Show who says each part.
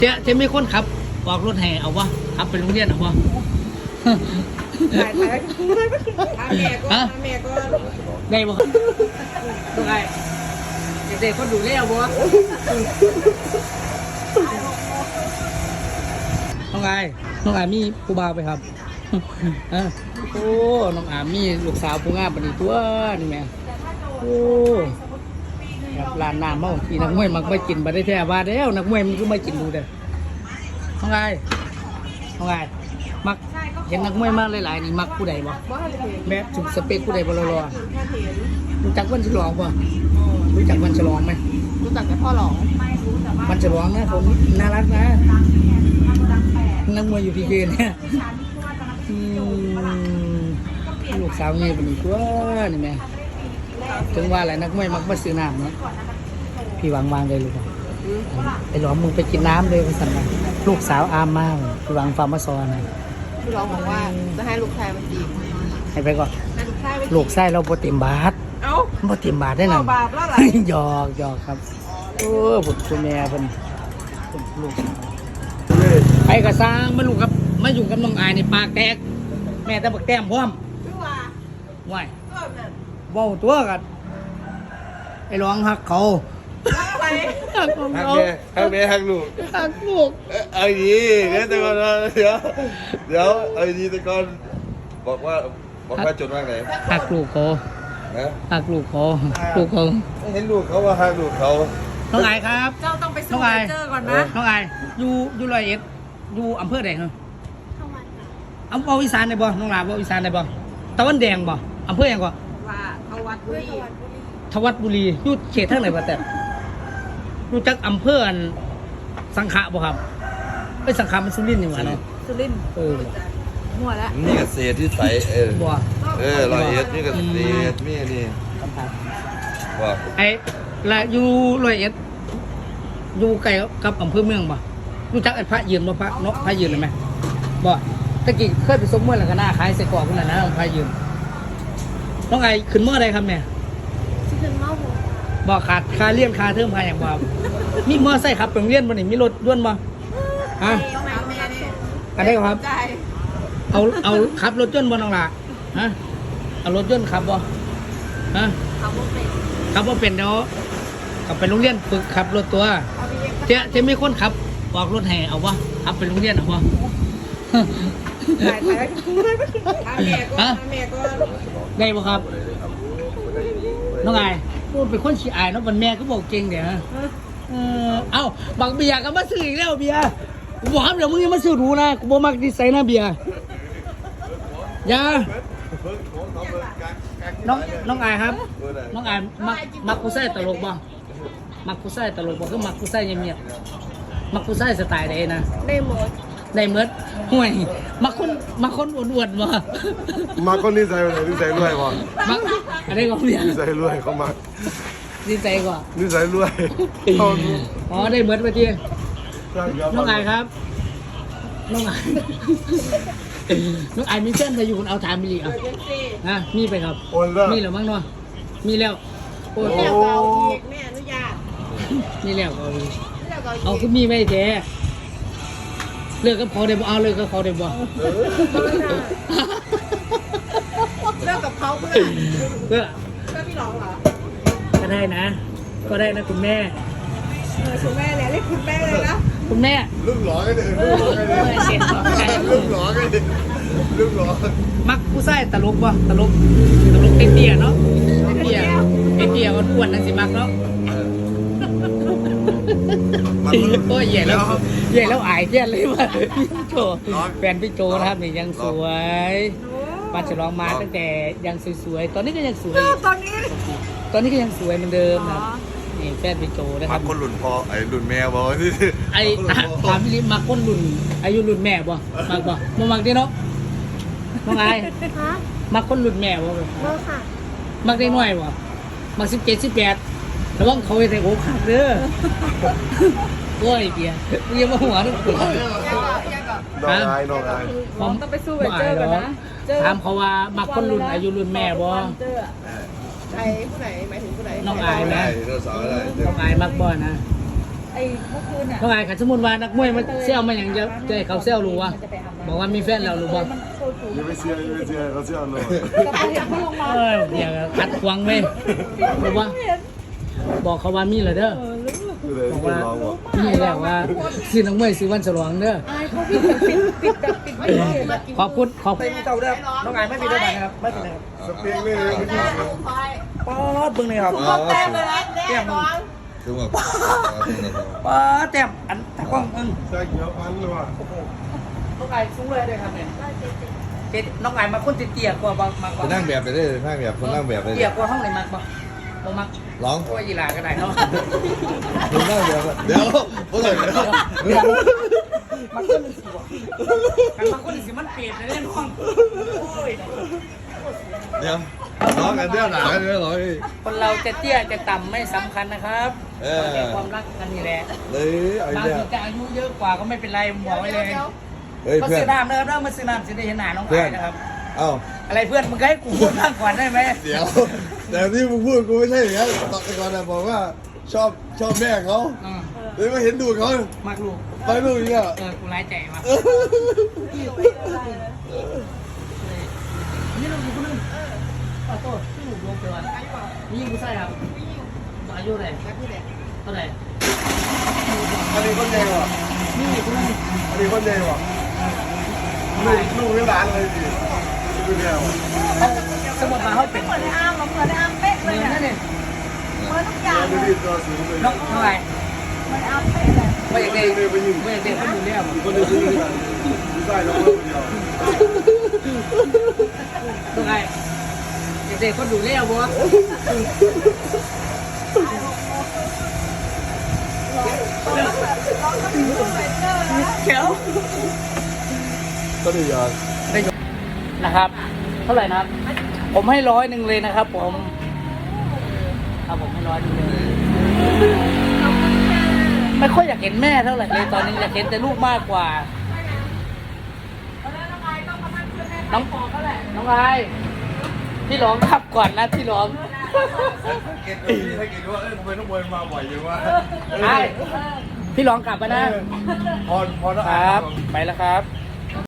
Speaker 1: จะมีคนขับออกรถแห่เอาวะขับไปโรงเรียนเอาวะ
Speaker 2: ถ่ายแม่ก็แม่ก็
Speaker 1: ได้บ่ต้องไงเด็กๆคนดูแล้วบ่น้องไงมีผู้บ่าวไปครับโอ้น้องอามีลูกสาวผู้งามปานนี้ตัวนี่แม่โอ้แบบร้านน้ำเมาที่นักมวยมักไม่กินบ่ได้แท้ว่าแล้วนักมวยมันก็ไม่กินดูเด้อน้องไงมักเห็นนักมวยมาหลายๆนี่มักผู้ใดบ่แบบถูกสเปคผู้ใดบ่รอๆรู้จักวันฉลองบ่รู้จักวันฉลองไหม
Speaker 2: รู้จักแต่พ่อหลอง
Speaker 1: วันฉลองนะผมน่ารักนะนักมวยอยู่พีเกเนี่ยลูกสาวเงี้ยเป็นอีกตัวนี่แม่ถึงว่าอะไรนักมวยมักมาซื้อน้ำเนาะพี่วางเลยลูกไอ้หลอมมึงไปกินน้ำเลยไปสั่งมาลูกสาวอามมากพี่วางฟาร์มซอน
Speaker 2: พี่หลองบอกว่าจะให้ลูกชายมาจีบ
Speaker 1: ให้ไปก่อนลูกไส้เราโปรตีนบาทโปรตีนบาทได้หน่อย
Speaker 2: บาทแล้วหรอ
Speaker 1: หยอกครับโอ้บุตรแม่เป็นลูกไปกระซ้างมาลูกครับมาอยู่กับน้องอายในปากแตกแม่ตะบักแต้มพร้อมไหวเบาตัวกันไอ้ร้องหักเขา
Speaker 3: หักแม่หักลูกเอาดีเดี๋ยวแต่ก่อนเดี๋ยวเอาดีแต่ก่อนบอกว่าจดว่าไง
Speaker 1: หักลูกเขาหักลูกเขา
Speaker 3: เห็นลูกเขาว่าหักลูกเขา
Speaker 1: น้องอายครับ
Speaker 2: เจ้าต้องไปสู้เจอก่อนนะ
Speaker 1: น้องอายอยู่ร้อยเอ็ดอยู่อำเภอไหนเหรออำเภออีสานไหนบ่น้องลาบ่อีสานไหนบ่ตะวันแดงบ่อำเภออย่างก่อน
Speaker 2: ว่าทวัดบุรี
Speaker 1: อยู่เขตทางไหนบ่แต่รู้จักอำเภอสังขะบ่ครับไปสังขะมันสุรินทร์นี่หว่าเนาะ
Speaker 2: สุรินทร์มั่วแล้ว
Speaker 3: นี่เกษตรที่ใส
Speaker 1: บ่
Speaker 3: ร้อยเอ็ดนี่เกษตรนี่ว่า
Speaker 1: ไอ้ละอยู่ร้อยเอ็ดอยู่ใกล้กับอำเภอเมืองบ่รู้จักไอ้พระยืนบ่พระเนาะพระยืนเลยไหมบ่ตะกี้เคยไปสมมติแล้วก็หน้าขายใส่กรอกคนนั้นนะพระยืนน้องไอ้ขึ้นเมื่อไรครับเนี่ย
Speaker 2: ขึ้นเมื่อ
Speaker 1: บ่ขาดค่าเลี้ยงค่าเทอมค่าอย่างบ่มีมอไซค์ขับไปโรงเรียนบ่นี่มีรถด้วนบ่ฮะอันนี้ครับเอาขับรถยนต์บ่น้องล่ะฮะเอารถยนต์ขับบ่ฮะขับบ่เป็นเดี๋ยวกลับไปโรงเรียนฝึกขับรถตัวจะมีคนขับออกรถแห่เอาวะขับไปโรงเรียนเอาวะ
Speaker 2: ถ่ายแม่ก็
Speaker 1: ได้บ่ครับน้องไอ้พูดเป็นคนขี้อายเนาะวันแม่ก็บอกเก่งเดี๋ยวเอ้าบักเบียร์ก็มาซื้ออีกแล้วเบียร์กูบอกครับเดี๋ยวมึงยังมาซื้อหนูนะกูบอกมักดีไซน์นะเบียร์อย่าน้องไอ้ครับน้องไอ้มักกูใส่ตลกบ่มักกูใส่ตลกบ่คือมักกูใส่เงียบๆมักกูใส่สไตล์ใดนะ
Speaker 2: ได้หมด
Speaker 1: ห่วยมักคนอ้วนๆบ่
Speaker 3: มาคนนิสัยอะไรนิสัยรวยบ่
Speaker 1: มักอะไรก็เบียร์
Speaker 3: นิสัยรวยเขามา
Speaker 1: นิสัยกว่า
Speaker 3: นิสัยรวย
Speaker 1: อ๋อได้เหมือนเมื่อกี้น้องไอ้ครับน้องไอ้มีเส้นไปอยู่คุณเอาถามมิลลิอ่ะนะมีไปครับมีหรือมั้งเนาะมีแล้ว
Speaker 2: โอ้ยเอาอีกแม่อนุญาต
Speaker 1: มีแล้วเอาคือมีไม่แท้เลิกกับเขาได้บ่เอาเลิกกับเขาได้บ่
Speaker 2: เลิกกับเขาเพื่อพี่น้องเหรอ
Speaker 1: ก็ได้นะก็ได้นะคุณแม่
Speaker 2: คุณแม่เนี่ยเรียกคุณแม่เลยนะ
Speaker 1: คุณแม่
Speaker 3: รุ่นหล่อกันเลยรุ่นหล่อกันเลยรุ่นหล่อ
Speaker 1: มักผู้ชายตลกบ่ตลกเตี้ยเนาะเตี้ยอ้วนๆนั่นสิมักเนาะโอ้ยใหญ่แล้วอายเตี้ยเลยว่าพี่โจแฟนพี่โจนะครับนี่ยังสวยมาฉลองมาตั้งแต่ยังสวยๆตอนนี้ก็ยังสวย
Speaker 2: ต
Speaker 1: อนนี้ก็ยังสวยเหมือนเดิมนะนี่แฟนพี่โจนะครับ
Speaker 3: คนรุ่นพ่อไอ้รุ่นแม่บ่ที่
Speaker 1: ไอ้ถามพี่ลิมาคนรุ่นอายุรุ่นแม่บ่มากบ่มักดิเนาะน้องไอ้มาคนรุ่นแม่บ่
Speaker 2: ค่ะ
Speaker 1: มักได้น้อยบ่มัก17 18ระวังเขาไปใส่โอ้ขาดเด้อโอ้ยเบียร์มึงยังมาหัวนึกถึง
Speaker 3: น้องอาย
Speaker 2: ผมต้องไปสู้ไปเจอกันนะ
Speaker 1: ถามเขาว่ามักคนรุ่นอายุรุ่นแม่บ่
Speaker 2: ใครผู้ไหนหมายถึงผู้ไหน
Speaker 1: น้องอายนะน้องอายมักบ่นะ
Speaker 2: ไอ้เมื่อคืนอ่ะ
Speaker 1: น้องอายขันสมุนวานักมวยมันเซลมาอย่างเดียวจะให้เขาเซลรู้วะบอกว่ามีแฟนแล้วรู้บ่
Speaker 2: มันโชว์ถูก
Speaker 3: อย่าไปเสียเขาเสียเลย
Speaker 2: กับไปเห็นเขาลงมา
Speaker 1: เดี๋ยวขัดขวางเว้ยรู้บ่บอกเขาว่ามีเหรอเด้อ
Speaker 3: คือเลย
Speaker 1: บอก
Speaker 3: ที่
Speaker 1: ว่า
Speaker 3: ร้องบอก
Speaker 1: มีแล้วว่าซื้อนักมวยซื้อวันฉลองเด้อ
Speaker 2: อายเขาปิดแบบปิดไม่ได้
Speaker 1: ขอบคุณขอบ
Speaker 4: ไม่มีเจ้าเด้อน้องอายไม่มีเด้อนะครับไม่เป็นไรครับ
Speaker 3: สเปกเลย
Speaker 4: ป๊อดเบิ่งเลยครับ
Speaker 2: แต้มเลยนะแต้ม
Speaker 3: ถึงแบบ
Speaker 4: ป๊อดแต้มอันตะกล้องอึ้ง
Speaker 3: ใช่เกี่ยวพันเลยว่ะ
Speaker 4: น้องอายสูงเลยด้วยครับเนี่ยเจ๊น้องอายมาคนเตี้ยกว่าบางมากก
Speaker 3: ค
Speaker 4: ว่าน
Speaker 3: นั่งแบบไปได้เลยนั่งแบบคนนั่งแบบไปเล
Speaker 4: เตี้ย
Speaker 3: ย
Speaker 4: กว่าห้องไหนมากบ่บ่มัก
Speaker 3: ร้อง
Speaker 4: โอ้ยยีหลาก็ได้เนาะ
Speaker 3: คนนั่งแบบเดี๋ยวเมื่อไหร่เดี๋ยว
Speaker 4: มันก็เลยสิบ่กันบางคนสิมันเปรียบเลยน้องโอ้ย
Speaker 3: เดี๋ยวร้องกันเดี๋ยวหนากันเดี๋ยวร้อง
Speaker 4: คนเราจะเตี้ยจะต่ำไม่สำคัญนะครับ
Speaker 3: เออ
Speaker 4: ขอแค่ความรักกันนี่แหละ
Speaker 3: เลยไอ้
Speaker 4: บาง
Speaker 3: เนี่ย
Speaker 4: ทีจะอายุเยอะกว่าก็ไม่เป็นไรบอกไว้เลย
Speaker 3: เฮ้ย
Speaker 4: มา
Speaker 3: เพื่อ
Speaker 4: ซื้
Speaker 3: น
Speaker 4: อน้ำเด้อเด้อมาซื้อน้ำสิได้เห็นหน้าน้อง
Speaker 3: เพื่อ
Speaker 4: อาน ยนะครับ
Speaker 3: เอ้า
Speaker 4: อะไรเพื่อนมึงก็ให้กูพูดบ้างก่อนได้ไหม
Speaker 3: เดี๋ยวแต่ที่มึงพูดกูไม่ใช่อย่างนั้นตอนก่อนนะบอกว่าชอบแม่เขา
Speaker 4: อืม
Speaker 3: เลยมาเห็นดูเขา
Speaker 4: มากลูก
Speaker 3: ไปลูกอีกอ่ะ
Speaker 4: กูร้ายใจมากนี่เราอยู่คนนึงขอโทษที่หนูลงไปวันนี่ยิงกูใส่ครับอายุเท่าไหร่เท่าไหร่
Speaker 3: อันนี้คนใหญ่ว่ะ
Speaker 4: นี่คนนึง
Speaker 3: อันนี้คนใหญ่ว่ะลูกไม่ร้านเลยดิดูเนี่ย
Speaker 4: สมมติมาเขาเป็น
Speaker 2: เหมือนอาร์มเหมือนอาร์มเป๊ะ
Speaker 4: เห
Speaker 2: เล
Speaker 4: มือย น
Speaker 2: นะ
Speaker 4: นั่นเอง
Speaker 2: เหมือนทุกอย่าง
Speaker 3: ดูดิตัวสูงเลย
Speaker 4: น้องเท่าไหร่
Speaker 2: เหมือนอาร์มเป๊ะเลย
Speaker 4: ไม่อยากได้ไม่อยากได้คนอยู่แล้ว
Speaker 3: คนเดียวดูได้เราคนเดียว
Speaker 4: ตรงไหนอยากได้คนดูแล้วบ่ เขียว
Speaker 3: ก็ดีอย่าง
Speaker 4: นะครับ เท่าไหร่นะครับ ผมให้100เลยนะครับ ผมครับผมให้100เลย ไม่ค่อยอยากเห็นแม่เท่าไหร่เลยตอนนี้อยากเห็นแต่ลูกมากกว่า น้องน้องไอพี่ร้องขับก่อนนะพี่ร้อง
Speaker 3: เก็ตดูถ้าเกิดว่าทำไมต้องบอลมาบ่อยอยู่วะ
Speaker 4: ไอพี่ร้องกลับมานะ
Speaker 3: พอ
Speaker 4: ครับ ไปแล้วครับ